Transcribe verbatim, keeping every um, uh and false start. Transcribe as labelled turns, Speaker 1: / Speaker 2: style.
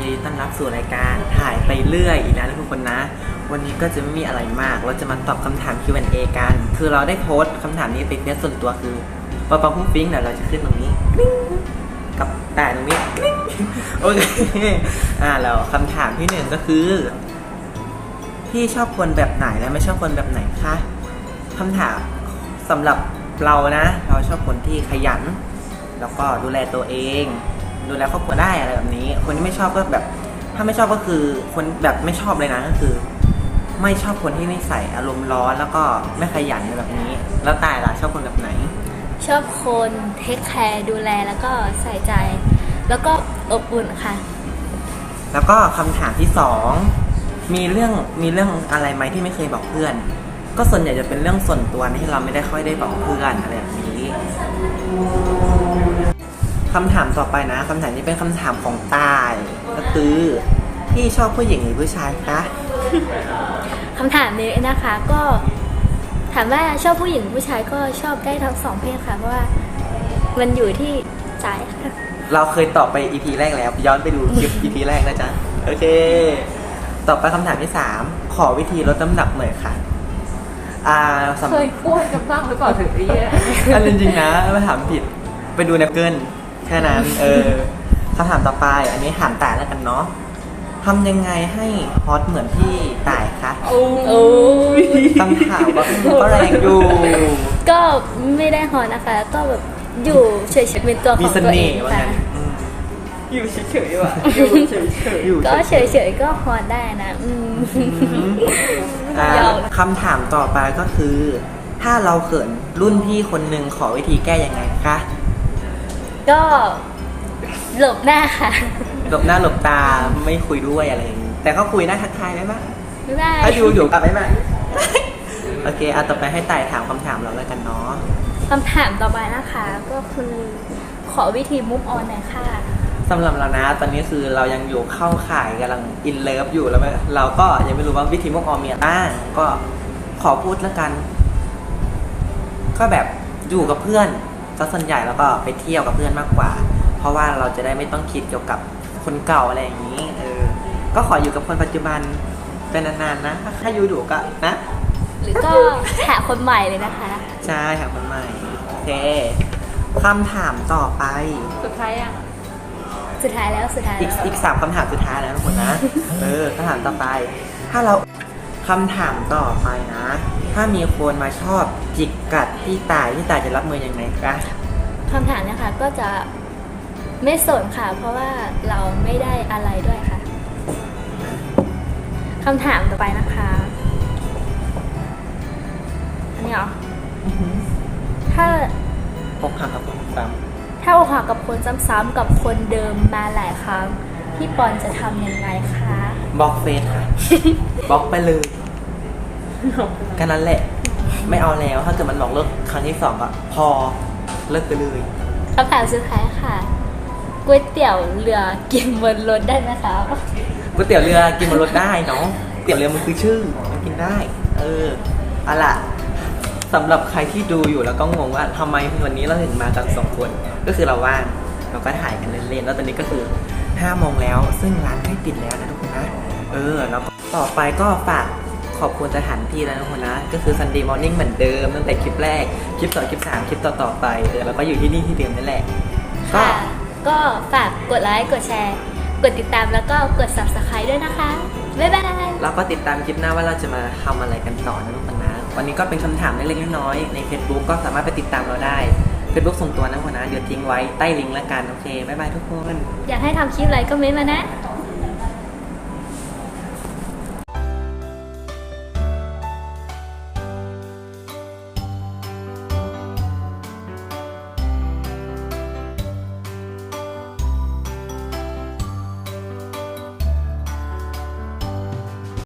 Speaker 1: ดีต้อนรับสู่รายการถ่ายไปเรื่อยอีกแล้วนะทุกคนนะวันนี้ก็จะไม่มีอะไรมากเราจะมาตอบคำถาม คิว แอนด์ เอ กันคือเราได้โพสต์คำถามนี้ไปเฟซส่วนตัวคือปอปอพุ่งฟิ้งเดี๋ยวเราจะขึ้นตรงนี้กับแต่ตรงนี้โอเคอ่าแล้วคำถามที่หนึ่งก็คือพี่ชอบคนแบบไหนและไม่ชอบคนแบบไหนคะคำถามสำหรับเรานะเราชอบคนที่ขยันแล้วก็ดูแลตัวเองดูแลครอบครัวได้อะไรแบบนี้คนที่ไม่ชอบก็แบบถ้าไม่ชอบก็คือคนแบบไม่ชอบเลยนะก็คือไม่ชอบคนที่นิสัยอารมณ์ร้อนแล้วก็ไม่ขยันแบบนี้แล้วตายล่ะชอบคนแบบไหน
Speaker 2: ชอบคนเทคแคร์ดูแลแล้วก็ใส่ใจแล้วก็อบอุ่นค่ะ
Speaker 1: แล้วก็คำถามที่สองมีเรื่องมีเรื่องอะไรไหมที่ไม่เคยบอกเพื่อนก็ส่วนใหญ่จะเป็นเรื่องส่วนตัวที่เราไม่ได้ค่อยได้บอกเพื่อนอะไรแบบนี้คำถามต่อไปนะคำถามนี้เป็นคำถามของตายก็คือพี่ชอบผู้หญิงหรือผู้ชายคะ
Speaker 2: คำถามนี้นะคะก็ถามว่าชอบผู้หญิงผู้ชายก็ชอบได้ทั้งสองเพศค่ะเพราะว่ามันอยู่ที่ใจค่ะ
Speaker 1: เราเคยตอบไป อี พี แรกแล้วย้อนไปดูคลิป อี พี แรกนะจ๊ะโอเคต่อไปคำถามที่สามขอวิธีลดน้ำหนักหน่อยค่ะอ่า
Speaker 3: เคยพูดกันบ้างหรือเปล่าถึงนี้
Speaker 1: อันจริงๆนะไม่ถามผิดไปดูในเกินแค่นั้นเออคำถามต่อไปอันนี้ถามแต่แล้วกันเนาะทำยังไงให้ฮอตเหมือนพี่ต่ายคะ
Speaker 2: โอ้
Speaker 1: คำถามก็แรงอยู่
Speaker 2: ก็ไม่ได้ฮอตนะคะก็แบบอยู่เฉยๆเป็นตัวของตัวเองค่ะ
Speaker 1: อยู่เฉยๆว่ะอยู่เฉยๆ
Speaker 2: ก็เฉยๆก็ฮอตได้นะอืม
Speaker 1: คำถามต่อไปก็คือถ้าเราเขินรุ่นพี่คนหนึ่งขอวิธีแก้ยังไงคะ
Speaker 2: ก็หลบหน้าค่ะ
Speaker 1: หลบหน้าหลบตาไม่คุยด้วยอะไรอย่างนี้แต่ก็คุยได้ทักทายได้ไหม
Speaker 2: ไม่ได้
Speaker 1: ถ้าอยู่อยู่กลับได้ไหมโอเคเอาต่อไปให้ต่ายถามคำถามเราแล้วกันเนาะ
Speaker 2: คำถามต่อไปนะคะก็คือขอวิธีมุฟออนหน่อยค่ะ
Speaker 1: สำหรับเรานะตอนนี้คือเรายังอยู่เข้าข่ายกำลังอินเลิฟอยู่แล้วเราก็ยังไม่รู้ว่าวิธีมุฟออนมีอะไรบ้างก็ขอพูดแล้วกันก็แบบอยู่กับเพื่อนซะส่วนใหญ่แล้วก็ไปเที่ยวกับเพื่อนมากกว่าเพราะว่าเราจะได้ไม่ต้องคิดเกี่ยวกับคนเก่าอะไรอย่างนี้เออก็ขออยู่กับคนปัจจุบันเป็นนานๆนะถ้าอยู่ดูก็นะ
Speaker 2: หรือก็หาคนใหม่เลยนะคะ
Speaker 1: ใช่หาคนใหม่โอเคคำถามต่อไป
Speaker 3: สุดท้ายอ่ะ
Speaker 2: สุดท้ายแล้วสุดท้าย
Speaker 1: อีกอีกสามคำถามสุดท้ายแล้วทุกคนนะเออคำถามต่อไปถ้าเราคำถามต่อไปนะถ้ามีคนมาชอบจิกกัดพี่ตายพี่ตายจะรับมือยังไงคะ
Speaker 2: คำถามนะคะก็จะไม่สนค่ะเพราะว่าเราไม่ได้อะไรด้วยค่ะคำถามต่อไปนะคะอันนี้เหรอถ้า
Speaker 1: อกหักกับคนซ้
Speaker 2: ำถ้าอกหักกับคนซ้ำๆกับคนเดิมมาหลายครั้งพี่ปอนจะทำยังไงคะ
Speaker 1: บล็อกเฟซค่ะบล็อกไปเลยกันนั้นแหละไม่เอาแล้วถ้าเกิดมันหลอกเลิกครั้งที่สองอะพอเลิกไปเลย
Speaker 2: คำถามสุดท้ายค่ะก๋วยเตี๋ยวเรือกินบนรถได้ไหมคะ
Speaker 1: ก๋วยเตี๋ยวเรือกินบนรถได้เนาะก๋วยเตี๋ยวเรือมันคือชื่อมันกินได้เออเอาล่ะสำหรับใครที่ดูอยู่แล้วก็งงว่าทำไมวันนี้เราถึงมากันสองคนก็คือเราว่างเราก็ถ่ายกันเล่นๆแล้วตอนนี้ก็คือห้าโมงแล้วซึ่งร้านใกล้ปิดแล้วนะทุกคนนะเออแล้วต่อไปก็ฝากขอบคุณสถานที่แล้วทุกคนนะก็คือ Sunday Morning เหมือนเดิมตั้งแต่คลิปแรกคลิปสองคลิปสามคลิปต่อๆไปเออแล้วก็อยู่ที่นี่ที่เดิมนั่นแหละ
Speaker 2: ก็ก็ฝากกดไลค์กดแชร์กดติดตามแล้วก็กด ซับสไครบ์ ด้วยนะคะบ๊ายบาย
Speaker 1: แล้วก็ติดตามคลิปหน้าว่าเราจะมาทำอะไรกันต่อนะทุกคนนะวันนี้ก็เป็นคำถามเล็กๆน้อยๆใน Facebook ก็สามารถไปติดตามเราได้ Facebook ส่วนตัวนะทุกคนนะเดี๋ยวทิ้งไว้ใต้ลิงก์แล้วกันโอเคบ๊ายบายทุกคน
Speaker 2: อยากให้ทำคลิปอะไรก็เม้นต์มานะ